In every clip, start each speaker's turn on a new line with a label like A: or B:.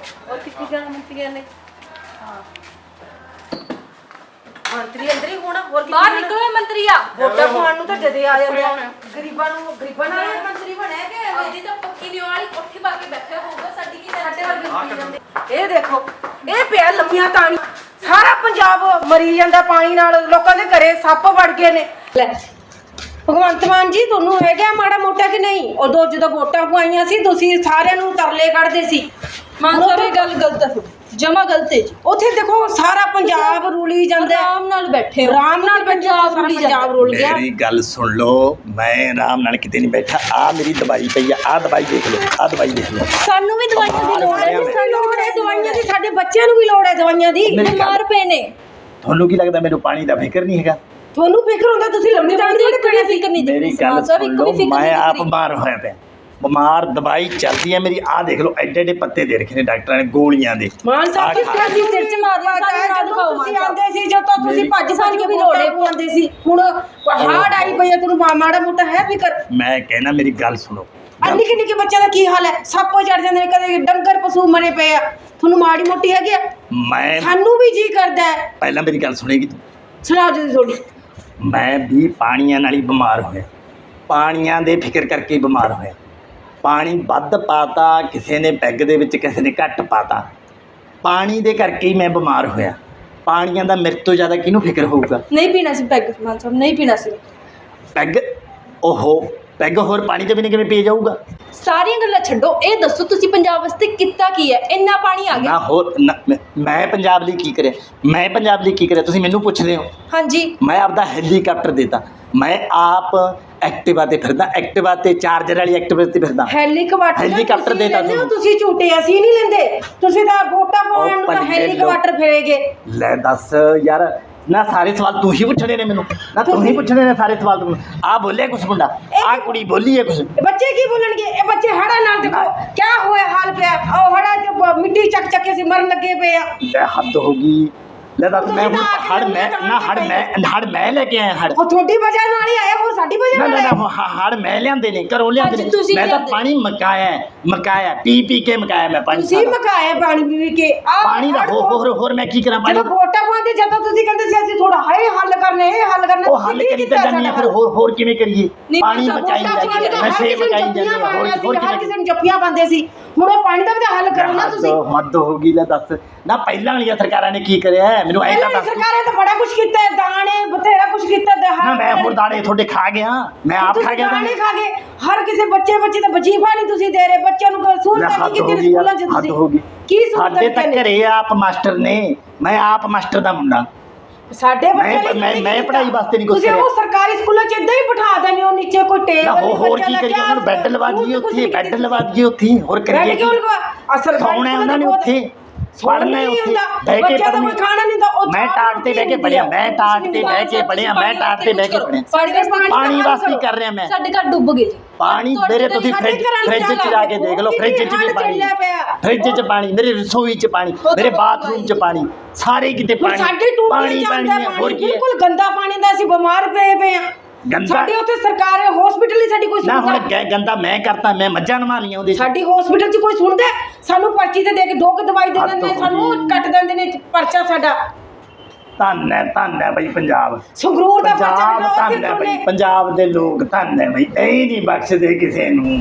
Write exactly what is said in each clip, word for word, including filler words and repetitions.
A: और कितनी जाना मंत्री ने हां मंत्री अंदर ही होना और
B: बाहर निकलो मंत्री आ
A: वोटा पाउण ਨੂੰ ਤਾਂ ਜਦੇ ਆ ਜਾਂਦੇ ਗਰੀਬਾਂ ਨੂੰ ਗਰੀਬਾਂ ਨਾਲ ਮੰਤਰੀ ਬਣਿਆ ਕਿ
B: ਅੱਧੀ ਤਾਂ ਪੱਕੀ ਨਹੀਂ ਵਾਲੀ ਕੋਠੀ ਪਾ ਕੇ ਬੈਠੇ ਹੋਊਗਾ ਸਾਡੀ ਕੀ
A: ਸਾਡੇ ਵਰਗੇ ਪੀ ਜਾਂਦੇ ਇਹ ਦੇਖੋ ਇਹ ਪਿਆ ਲੰਮੀਆਂ ਤਾਣੀ ਸਾਰਾ ਪੰਜਾਬ ਮਰੀ ਜਾਂਦਾ ਪਾਣੀ ਨਾਲ ਲੋਕਾਂ ਦੇ ਘਰੇ ਸੱਪ ਵੜ ਗਏ ਨੇ ਲੈ ਭਗਵੰਤ ਮਾਨ ਜੀ ਤੁਹਾਨੂੰ ਹੈਗਾ ਮਾੜਾ ਮੋਟਾ ਕਿ ਨਹੀਂ ਉਦੋਂ ਜਦੋਂ ਵੋਟਾਂ ਪਵਾਈਆਂ ਸੀ ਤੁਸੀਂ ਸਾਰਿਆਂ ਨੂੰ ਤਰਲੇ ਕੱਢਦੇ ਸੀ
B: ਮਾਨ ਸਾਹਿਬ ਇਹ ਗੱਲ ਗਲਤ ਹੈ ਜਮਾ ਗਲਤ ਹੈ ਜੀ
A: ਉੱਥੇ ਦੇਖੋ ਸਾਰਾ ਪੰਜਾਬ ਰੂਲੀ ਜਾਂਦਾ
B: ਆਰਾਮ ਨਾਲ ਬੈਠੇ
A: ਆਰਾਮ ਨਾਲ ਪੰਜਾਬ ਰੂਲੀ ਪੰਜਾਬ ਰੁਲ ਗਿਆ
C: ਮੇਰੀ ਗੱਲ ਸੁਣ ਲਓ ਮੈਂ ਆਰਾਮ ਨਾਲ ਕਿਤੇ ਨਹੀਂ ਬੈਠਾ ਆ ਮੇਰੀ ਦਵਾਈ ਪਈ ਆ ਆ ਦਵਾਈ ਦੇਖ ਲਓ ਆ ਦਵਾਈ ਦੇਖ ਲਓ
B: ਸਾਨੂੰ ਵੀ ਦਵਾਈਆਂ ਦੀ ਲੋੜ ਹੈ
A: ਸਾਨੂੰ ਲੋੜ ਹੈ ਦਵਾਈਆਂ ਦੀ ਸਾਡੇ ਬੱਚਿਆਂ ਨੂੰ ਵੀ ਲੋੜ ਹੈ ਦਵਾਈਆਂ ਦੀ
B: ਬਿਮਾਰ ਪਏ ਨੇ
C: ਤੁਹਾਨੂੰ ਕੀ ਲੱਗਦਾ ਮੈਨੂੰ ਪਾਣੀ ਦਾ ਫਿਕਰ ਨਹੀਂ ਹੈਗਾ
A: ਤੁਹਾਨੂੰ ਫਿਕਰ ਹੁੰਦਾ ਤੁਸੀਂ ਲੰਮੀ ਜਾਣ ਦੀ
B: ਕੋਈ ਫਿਕਰ ਨਹੀਂ
C: ਮੇਰੀ ਗੱਲ ਸੁਣ ਲਓ ਮੈਂ ਆਪ ਬਿਮਾਰ ਹੋਇਆ ਪਿਆ ਬਿਮਾਰ ਦਵਾਈ ਚੱਲਦੀ ਹੈ ਮੇਰੀ ਆ ਦੇਖ ਲਓ ਐਡੇ ਐਡੇ ਪੱਤੇ ਦੇ ਰੱਖੇ ਨੇ ਡਾਕਟਰਾਂ ਨੇ ਗੋਲੀਆਂ ਦੇ
A: ਮਾਨ ਸਾਹਿਬ ਕਿਸ ਤਰ੍ਹਾਂ ਦੀ ਸਿਰ ਚ ਮਾਰ ਲਿਆ ਸਾਨੂੰ ਨਾ ਦਿਖਾਓ ਮਾਨ ਸਾਹਿਬ ਆਂਦੇ ਸੀ ਜਦੋਂ ਤੁਸੀਂ ਭੱਜ ਭੱਜ ਕੇ ਵੀ ਲੋੜੇ ਪਾਉਂਦੇ ਸੀ ਹੁਣ ਹਾਰਡ ਆਈ ਪਈ ਹੈ ਤੁਹਾਨੂੰ ਮਾੜਾ ਮੋਟਾ ਹੈ ਫਿਕਰ
C: ਮੈਂ ਕਹਿਣਾ ਮੇਰੀ ਗੱਲ ਸੁਣੋ
A: ਅੰਨੀ ਕਿ ਨਿੱਕੇ ਬੱਚਿਆਂ ਦਾ ਕੀ ਹਾਲ ਹੈ ਸੱਪ ਚੜ ਜਾਂਦੇ ਨੇ ਕਦੇ ਡੰਗਰ ਪਸ਼ੂ ਮਰੇ ਪਏ ਆ ਤੁਹਾਨੂੰ ਮਾੜੀ ਮੋਟੀ ਹੈਗੀ ਆ
C: ਮੈਂ
A: ਸਾਨੂੰ ਵੀ ਜੀ ਕਰਦਾ ਹੈ
C: ਪਹਿਲਾਂ ਮੇਰੀ ਗੱਲ ਸੁਣੇਗੀ ਤੂੰ
A: ਸੁਣਾਓ ਜੀ ਥੋੜੀ
C: ਮੈਂ ਵੀ ਪਾਣੀਆਂ ਨਾਲ ਹੀ ਬਿਮਾਰ ਹੋਇਆ ਪਾਣੀਆਂ ਦੇ ਫਿਕਰ ਕਰਕੇ ਬਿਮਾਰ ਹੋਇਆ ਪਾਣੀ ਵੱਧ ਪਾਤਾ ਕਿਸੇ ਨੇ ਪੈਗ ਦੇ ਵਿੱਚ ਕਿਸੇ ਨੇ ਘੱਟ ਪਾਤਾ ਪਾਣੀ ਦੇ ਕਰਕੇ ਹੀ ਮੈਂ ਬਿਮਾਰ ਹੋਇਆ ਪਾਣੀਆਂ ਦਾ ਮੇਰੇ ਤੋਂ ਜ਼ਿਆਦਾ ਕਿਹਨੂੰ ਫਿਕਰ ਹੋਊਗਾ
B: ਨਹੀਂ ਪੀਣਾ ਸੀ ਪੈਗ ਮਾਨ ਸਾਹਿਬ ਨਹੀਂ ਪੀਣਾ ਸੀ
C: ਪੈਗ ਓਹੋ ਪੈਗ ਹੋਰ ਪਾਣੀ ਦੇ ਬਿਨਾਂ ਕਿਵੇਂ ਪੀ ਜਾਊਗਾ
B: ਸਾਰੀਆਂ ਗੱਲਾਂ ਛੱਡੋ ਇਹ ਦੱਸੋ ਤੁਸੀਂ ਪੰਜਾਬ ਵਾਸਤੇ ਕੀਤਾ ਕੀ ਹੈ ਇੰਨਾ ਪਾਣੀ ਆ ਗਿਆ
C: ਨਾ ਹੋਰ ਨਾ- ਮੈਂ- ਮੈਂ ਪੰਜਾਬ ਲਈ ਕੀ ਕਰਿਆ ਮੈਂ ਪੰਜਾਬ ਲਈ ਕੀ ਕਰਿਆ ਤੁਸੀਂ ਮੈਨੂੰ ਪੁੱਛਦੇ ਹੋ
B: ਹਾਂਜੀ
C: ਮੈਂ ਆਪਦਾ ਹੈਲੀਕਾਪਟਰ ਦੇਤਾ ਮੈਂ ਆਪ ਐਕਟਿਵਾ ਤੇ ਫਿਰਦਾ ਐਕਟਿਵਾ ਤੇ ਚਾਰਜਰ ਵਾਲੀ ਐਕਟਿਵਾ ਤੇ ਫਿਰਦਾ
A: ਹੈਲੀਕਾਪਟਰ
C: ਹੈਲੀਕਾਪਟਰ ਦੇਤਾ ਤੁਹਾਨੂੰ
A: ਤੁਸੀਂ ਝੂਟੇ ਅਸੀਂ ਨਹੀਂ ਲੈਂਦੇ ਤੁਸੀਂ ਤਾਂ ਵੋਟਾਂ ਪਾਉਣ ਨੂੰ ਤਾਂ
C: ਭੱਲੇ
A: ਹੈਲੀਕਾਪਟਰ ਫੇਰੇਗੇ
C: ਲੈ ਦੱਸ ਯਾਰ ਨਾ ਸਾਰੇ ਸਵਾਲ ਤੂੰ ਹੀ ਪੁੱਛਣੇ ਨੇ ਮੈਨੂੰ ਨਾ ਤੂੰ ਹੀ ਪੁੱਛਣੇ ਨੇ ਸਾਰੇ ਸਵਾਲ ਤੂੰ ਆ ਬੋਲਿਆ ਕੁਛ ਮੁੰਡਾ ਆ ਕੁੜੀ ਬੋਲੀ ਹੈ ਕੁਛ
A: ਇਹ ਬੱਚੇ ਕੀ ਬੋਲਣਗੇ ਇਹ ਬੱਚੇ ਹੜਾ ਨਾਲ ਦੇਖੋ ਕੀ ਹੋਇਆ ਹਾਲ ਪਿਆ ਉਹ ਹੜਾ ਚ ਮਿੱਟੀ ਚੱਕ ਚੱਕ ਕੇ ਸੀ ਮਰਨ ਲੱਗੇ ਪਏ ਆ
C: ਲੈ ਹੱਦ ਹੋ ਗਈ ਲੈ ਦੱਸ ਮੈਂ ਹੁਣ ਹੜ ਮੈਂ ਨਾ ਹੜ ਮੈਂ ਹੜ ਮੈਂ ਲੈ ਕੇ ਆਇਆ ਹੜ
A: ਉਹ ਤੁਹਾਡੀ ਵਜ੍ਹਾ ਨਾਲ ਹੀ ਆਇਆ ਹੋਰ ਸਾਡੀ ਵਜ੍ਹਾ
C: ਨਾ
A: ਨਾਲ
C: ਨਾ
A: ਆਇਆ
C: ਨਾ ਹੜ ਮੈਂ ਲਿਆਂਦੇ ਨੇ ਘਰੋਂ ਲਿਆਂਦੇ ਨੇ
B: ਤੁਸੀਂ
C: ਮੈਂ ਤਾਂ
B: ਲਿਆਂਦੇ।
C: ਪਾਣੀ ਮਕਾਇਆ ਹੈ, ਮਕਾਇਆ ਪੀ ਪੀ ਕੇ ਮਕਾਇਆ ਮੈਂ ਪਾਣੀ
A: ਤੁਸੀਂ
C: ਸਾਰਾ।
A: ਮਕਾਇਆ ਪਾਣੀ ਪੀ ਕੇ ਆ
C: ਪਾਣੀ ਦਾ ਹੋਰ ਹੋਰ ਹੋਰ ਮੈਂ ਕੀ ਕਰਾਂ ਪਾਣੀ
A: ਜਦੋਂ ਵੋਟਾਂ ਪਾਉਂਦੇ ਜਦੋਂ ਤੁਸੀਂ ਕਹਿੰਦੇ ਸੀ ਅਸੀਂ ਥੋੜਾ ਹਾਏ ਹੱਲ ਕਰਨੇ ਇਹ ਹੱਲ ਕਰਨੇ
C: ਉਹ ਹੱਲ ਕਰੀ ਤਾਂ ਜਾਂਦੀ ਆ ਫਿਰ ਹੋਰ ਹੋਰ ਕਿਵੇਂ ਕਰੀਏ
B: ਨਹੀਂ,
C: ਪਾਣੀ
B: ਵੋਟਾਂ
C: ਮਚਾਈ ਜਾਂਦੀ ਹੈ ਨਸ਼ੇ ਮਚਾਈ ਜਾਂਦੇ ਆ ਹੋਰ ਹੋਰ
A: ਹਰ
C: ਕਿਵੇਂ
A: ਕਿਸੇ ਨੂੰ ਜੱਫੀਆਂ ਪਾਉਂਦੇ ਸੀ ਹੁਣ ਉਹ ਪਾਣੀ ਦਾ ਵੀ ਤਾਂ ਹੱਲ ਕਰੋ ਨਾ ਤੁਸੀਂ
C: ਹੱਦ ਹੋ ਗਈ ਲੈ ਦੱਸ ਨਾ ਪਹਿਲਾਂ ਵਾਲੀਆਂ ਸਰਕਾਰਾਂ ਨੇ ਕੀ ਕਰਿਆ ਹੈ? ਮੈਨੂੰ ਐਂ ਤਾਂ
A: ਪਹਿਲਾਂ
C: ਦੱਸ
A: ਸਰਕਾਰਾਂ ਤਾਂ ਬੜਾ ਕੁਝ ਕੀਤਾ ਹੈ, ਦਾਣੇ ਬਥੇਰਾ ਕੁਝ ਕੀਤਾ ਤੇ
C: ਨਾ ਮੈਂ ਹੁਣ ਦਾਣੇ ਤੁਹਾਡੇ ਖਾ ਗਿਆ ਮੈਂ ਆਪ ਖਾ ਗਿਆ
A: ਦਾਣੇ ਖਾ ਗਏ ਹਰ ਕਿਸੇ ਬੱਚੇ ਬੱਚੇ ਤਾਂ ਵਜੀਫਾ ਨਹੀਂ ਤੁਸੀਂ ਦੇ ਰਹੇ ਬੱਚਿਆਂ ਨੂੰ ਕੋਈ ਸਹੂਲਤਾਂ ਨਹੀਂ ਕੀਤੀ ਸਕੂਲਾਂ 'ਚ
C: ਹੱਦ
A: ਤੁਸੀਂ
C: ਹੋ ਗਈ
A: ਕੀ ਸਹੂਲਤਾਂ
C: ਸਾਡੇ ਤਾਂ
A: ਦਿੱਤੀਆਂ ਨੇ?
C: ਘਰੇ ਆਪ ਮਾਸਟਰ ਨੇ ਮੈਂ ਆਪ ਮਾਸਟਰ ਦਾ ਮੁੰਡਾ
A: ਸਾਡੇ ਬੱਚੇ
C: ਮੈਂ- ਮੈਂ- ਮੈਂ ਪੜ੍ਹਾਈ ਵਾਸਤੇ ਨਹੀਂ ਕੁਛ
A: ਤੁਸੀਂ
C: ਕਰਿਆ।
A: ਉਹ ਸਰਕਾਰੀ ਸਕੂਲਾਂ 'ਚ ਇਦਾਂ ਹੀ ਬਿਠਾ ਦਿੰਦੇ ਹੋ ਨੀਚੇ ਕੋਈ
C: ਨਾ
A: ਟੇਬਲ
C: ਹੋਰ ਹੋਰ ਕੀ ਕਰੀਏ ਉਹਨਾਂ ਨੂੰ ਬੈੱਡ ਲਵਾ ਦਈਏ ਉੱਥੇ ਬੈੱਡ ਲਵਾ ਦਈਏ ਉੱਥੇ ਹੋਰ ਕਰੀਏ
A: ਬੈੱਡ ਕਿਉਂ
C: ਕੀ
A: ਲਵਾ ਅਸਲ
C: ਸੌਣਾ ਉਹਨਾਂ ਨੇ ਉੱਥੇ ਪੜ੍ਹਨਾ ਹੈ ਉੱਥੇ ਬਹਿ ਕੇ
A: ਬੱਚਾ ਤਾਂ ਕੋਈ
C: ਪੜ੍ਹਨਾ
A: ਖਾਣਾ ਨਹੀਂ ਤਾਂ ਉਹ
C: ਮੈਂ ਟਾਟ ਤੇ ਬਹਿ ਕੇ ਪੜਿਆ ਮੈਂ ਟਾਟ ਤੇ ਬਹਿ ਕੇ ਪੜਿਆ ਮੈਂ ਟਾਟ ਤੇ ਬਹਿ ਕੇ ਪੜਿਆ ਪਾਣੀ ਵਾਸਤੇ ਹੀ ਕਰ ਰਿਹਾ ਮੈਂ
B: ਸਾਡੇ ਘਰ ਡੁੱਬ ਗਏ ਜੀ
C: ਪਾਣੀ ਮੇਰੇ ਤੁਸੀਂ ਫ੍ਰਿਜ ਫ੍ਰਿਜ 'ਚ ਜਾ ਕੇ ਦੇਖ ਲਓ ਫ੍ਰਿਜ 'ਚ ਵੀ ਪਾਣੀ ਫ੍ਰਿਜ 'ਚ ਪਾਣੀ ਮੇਰੇ ਰਸੋਈ 'ਚ ਪਾਣੀ ਮੇਰੇ ਬਾਥਰੂਮ 'ਚ ਪਾਣੀ ਸਾਰੇ ਕਿਤੇ ਪਾਣੀ
A: ਸਾਡੇ ਟੂਟੀ
C: ਪਾਣੀ ਪਾਣੀ ਹੈ ਹੋਰ ਕੀ ਹੈ
A: ਬਿਲਕੁਲ ਗੰਦਾ ਪਾਣੀ ਦਾ ਅਸੀਂ ਬਿਮਾਰ ਪਏ ਪਏ ਆ
C: ਗੰਦਾ
A: ਸਾਡੇ ਉੱਥੇ ਸਰਕਾਰ ਹਸਪੀਟਲ ਹੀ ਸਾਡੀ ਕੋਈ
C: ਨਾ ਹੁਣ
A: ਸੁਣਦਾ
C: ਗੈ- ਗੰਦਾ ਮੈਂ ਕਰਤਾ ਮੈਂ ਮੱਝਾਂ ਨਵਾ ਲੀਆਂ ਉਹਦੇ 'ਚ।
A: ਸਾਡੀ ਹਸਪੀਟਲ 'ਚ ਕੋਈ ਸੁਣਦਾ ਹੈ? ਸਾਨੂੰ ਪਰਚੀ ਤੇ ਦੇ ਕੇ ਦੋ ਕੁ ਦਵਾਈ ਦੇ
C: ਹੱਦ
A: ਦਿੰਦੇ ਨੇ
C: ਹੋ
A: ਸਾਨੂੰ
C: ਗਈ।
A: ਕੱਟ ਦਿੰਦੇ ਨੇ ਪਰਚਾ ਸਾਡਾ
C: ਧੰਨ ਹੈ ਧੰਨ ਹੈ ਬਈ ਪੰਜਾਬ
A: ਸੰਗਰੂਰ ਦਾ ਪਰਚਾ
C: ਪੰਜਾਬ
A: ਕੱਟੋ ਉੱਥੇ
C: ਧੰਨ ਹੈ ਬਈ
A: ਤੁਮਨੇ
C: ਪੰਜਾਬ ਦੇ ਲੋਕ ਧੰਨ ਹੈ ਬਈ ਇਹ ਨਹੀਂ ਬਖਸ਼ਦੇ ਕਿਸੇ ਨੂੰ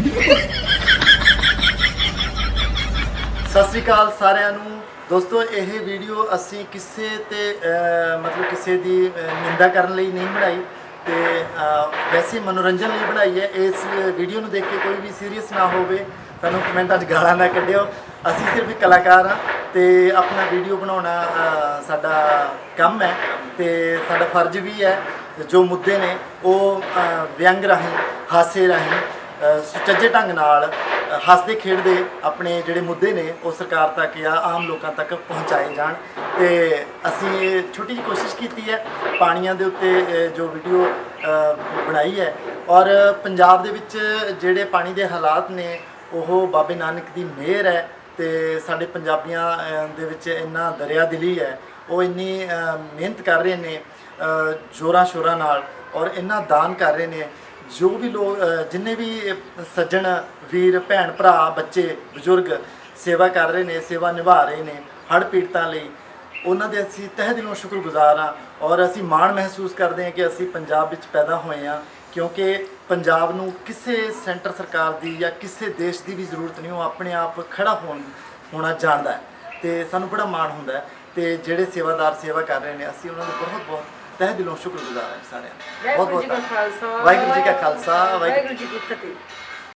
D: ਸਤਿ ਸ਼੍ਰੀ ਅਕਾਲ ਸਾਰਿਆਂ ਨੂੰ ਦੋਸਤੋ ਇਹ ਵੀਡੀਓ ਅਸੀਂ ਕਿਸੇ ਤੇ ਅਹ, ਮਤਲਬ ਕਿਸੇ ਦੀ ਅਹ, ਨਿੰਦਾ ਕਰਨ ਲਈ ਨਹੀਂ ਬਣਾਈ ਤੇ ਅਹ, ਵੈਸੇ ਮਨੋਰੰਜਨ ਲਈ ਬਣਾਈ ਹੈ ਇਸ ਵੀਡੀਓ ਨੂੰ ਦੇਖ ਕੇ ਕੋਈ ਵੀ ਸੀਰੀਅਸ ਨਾ ਹੋਵੇ ਸਾਨੂੰ ਕਮੈਂਟਾਂ 'ਚ ਗਾਲਾਂ ਨਾ ਕੱਢਿਓ ਅਸੀਂ ਸਿਰਫ ਇੱਕ ਕਲਾਕਾਰ ਹਾਂ ਤੇ ਆਪਣਾ ਵੀਡੀਓ ਬਣਾਉਣਾ ਅਹ, ਸਾਡਾ ਕੰਮ ਹੈ ਤੇ ਸਾਡਾ ਫਰਜ਼ ਵੀ ਹੈ ਜੋ ਮੁੱਦੇ ਨੇ ਉਹ ਅਹ, ਵਿਅੰਗ ਰਾਹੀਂ ਹਾਸੇ ਰਾਹੀਂ ਅ, ਸੁਚੱਜੇ ਢੰਗ ਨਾਲ ਅ, ਹੱਸਦੇ ਖੇਡਦੇ ਆਪਣੇ ਜਿਹੜੇ ਮੁੱਦੇ ਨੇ ਉਹ ਸਰਕਾਰ ਤੱਕ ਜਾਂ ਆਮ ਲੋਕਾਂ ਤੱਕ ਪਹੁੰਚਾਏ ਜਾਣ ਤੇ ਅਸੀਂ ਇਹ ਛੋਟੀ ਜਿਹੀ ਕੋਸ਼ਿਸ਼ ਕੀਤੀ ਹੈ ਪਾਣੀਆਂ ਦੇ ਉੱਤੇ ਅ, ਜੋ ਵੀਡੀਓ ਅ, ਬਣਾਈ ਹੈ ਔਰ ਪੰਜਾਬ ਦੇ ਵਿੱਚ ਜਿਹੜੇ ਪਾਣੀ ਦੇ ਹਾਲਾਤ ਨੇ ਉਹ ਬਾਬੇ ਨਾਨਕ ਦੀ ਮਿਹਰ ਹੈ ਤੇ ਸਾਡੇ ਪੰਜਾਬੀਆਂ ਅ, ਦੇ ਵਿੱਚ ਇੰਨਾ ਦਰਿਆ ਦਿਲੀ ਹੈ ਉਹ ਇੰਨੀ ਅ, ਮਿਹਨਤ ਕਰ ਰਹੇ ਨੇ ਜ਼ੋਰਾਂ ਸ਼ੋਰਾਂ ਨਾਲ ਔਰ ਇੰਨਾ ਦਾਨ ਕਰ ਰਹੇ ਨੇ ਜੋ ਵੀ ਲੋਕ ਜਿੰਨੇ ਵੀ ਸੱਜਣ ਵੀਰ ਭੈਣ ਭਰਾ ਬੱਚੇ ਬਜ਼ੁਰਗ ਸੇਵਾ ਕਰ ਰਹੇ ਨੇ, ਸੇਵਾ ਨਿਭਾ ਰਹੇ ਨੇ ਹੜ੍ਹ ਪੀੜਤਾਂ ਲਈ, ਉਹਨਾਂ ਦੇ ਅਸੀਂ ਤਹਿ ਦਿਲੋਂ ਸ਼ੁਕਰਗੁਜ਼ਾਰ ਹਾਂ। ਔਰ ਅਸੀਂ ਮਾਣ ਮਹਿਸੂਸ ਕਰਦੇ ਹਾਂ ਕਿ ਅਸੀਂ ਪੰਜਾਬ ਵਿੱਚ ਪੈਦਾ ਹੋਏ ਹਾਂ, ਕਿਉਂਕਿ ਪੰਜਾਬ ਨੂੰ ਕਿਸੇ ਸੈਂਟਰ ਸਰਕਾਰ ਦੀ ਜਾਂ ਕਿਸੇ ਦੇਸ਼ ਦੀ ਵੀ ਜ਼ਰੂਰਤ ਨਹੀਂ, ਉਹ ਆਪਣੇ ਆਪ ਖੜਾ ਹੋਣ ਹੋਣਾ ਜਾਣਦਾ ਹੈ ਤੇ ਸਾਨੂੰ ਬੜਾ ਮਾਣ ਹੁੰਦਾ ਹੈ। ਤੇ ਜਿਹੜੇ ਸੇਵਾਦਾਰ ਸੇਵਾ ਕਰ ਰਹੇ ਨੇ, ਅਸੀਂ ਉਹਨਾਂ ਦੇ ਬਹੁਤ ਬਹੁਤ ਤਹਿ ਦਿਲੋਂ ਸ਼ੁਕਰਗੁਜ਼ਾਰ ਹਾਂ ਸਾਰਿਆਂ ਦਾ। ਬਹੁਤ ਬਹੁਤ
A: ਵਾਹਿਗੁਰੂ ਜੀ ਕਾ ਖਾਲਸਾ
D: ਵਾਹਿਗੁਰੂ ਜੀ ਕਾ ਖਾਲਸਾ, ਵਾਹਿਗੁਰੂ
A: ਵਾਹਿਗੁਰੂ ਜੀ ਕੀ ਫਤਿਹ।